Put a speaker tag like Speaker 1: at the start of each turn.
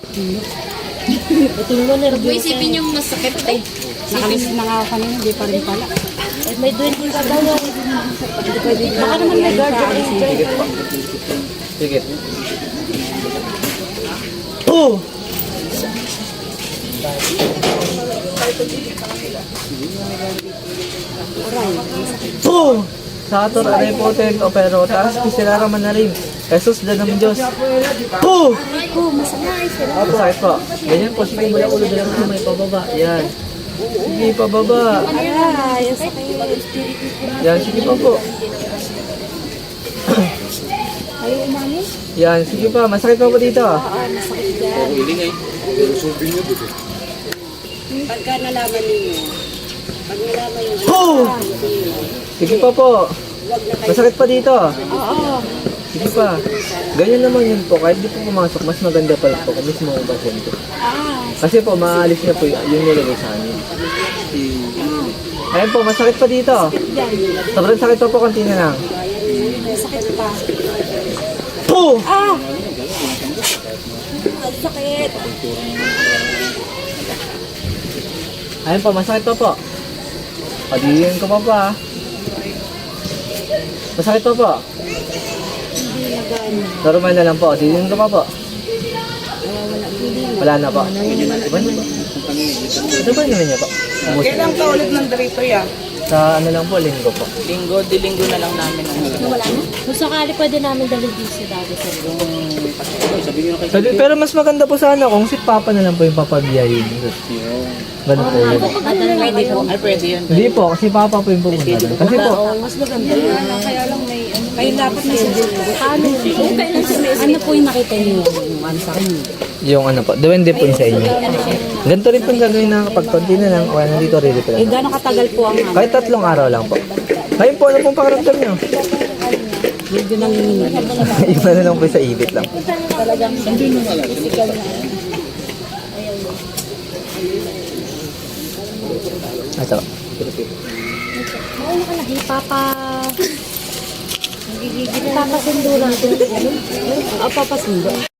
Speaker 1: Huwag mo isipin yung masakit eh.
Speaker 2: Nakalis na nga ako kanina, hindi pa rin pala.
Speaker 1: May 20 ka daw. Baka naman may guardian angel.
Speaker 3: Sige. Oh! Oh! Sa ator aray po tent o pero taas kisirara man na rin. Jesus na ng Diyos. Oh!
Speaker 1: Ko, masakit.
Speaker 3: Opo, sakit po. Ganyan po, sige mula ulo dyan po may pababa. Yan. Sige, pababa.
Speaker 1: Ay, sakit.
Speaker 3: Yan, sige pa po.
Speaker 1: Ayaw umami?
Speaker 3: Yan, sige pa. Masakit pa po dito.
Speaker 1: Masakit yan.
Speaker 2: Pagka nalaman ninyo, pag nalaman yung
Speaker 3: Oh! Sige pa po. Masakit pa dito.
Speaker 1: Oo.
Speaker 3: Sige pa. Ganyan naman yun po. Kahit di po pumasok, mas maganda pa po kung mismo ang pasyente. Kasi po, maalis niya po yung nilagay sa amin. Ayun po, masakit pa dito. Sobrang sakit pa po, konti na lang.
Speaker 1: Masakit pa.
Speaker 3: Oh!
Speaker 1: Ah! Ang sakit.
Speaker 3: Ayun po, masakit pa po. Pagiging ko pa pa. Masakit pa po. Normal na lang po. Pagiging ko pa po. Wala na po. Iba na po. Ito ba naman niya po?
Speaker 4: Kailan ka ulit ng dito ya?
Speaker 3: Sa ano lang po, linggo po.
Speaker 4: Linggo, di linggo na lang namin.
Speaker 1: Wala na? Kung sakali pwede namin dalhin dito sa dati sa
Speaker 3: Pero mas maganda po sana kung si Papa na lang po yung papabiyahin. Ganun po yun.
Speaker 4: Pwede po. Ay, pwede yun.
Speaker 3: Hindi po, kasi Papa po yung pupunta doon. Kasi po,
Speaker 1: mas maganda yun. Kaya lang may kayo dapat may ano po yung nakita niyo ano sa akin?
Speaker 3: yung ano po, depende po yun sa inyo. Ganito rin po yung gagawin na kapag konti na lang, o nandito rin po lang.
Speaker 1: Gano'ng katagal po ang ano?
Speaker 3: Kahit 3 araw lang po. Ngayon po, ano pong pakiramdam nyo?
Speaker 1: Medyo nanginginig.
Speaker 3: Iba na lang po sa ibit lang.
Speaker 1: Talagang physical na.
Speaker 3: Ito.
Speaker 1: Ano ka na? Papa... Papasundo natin. Papasundo.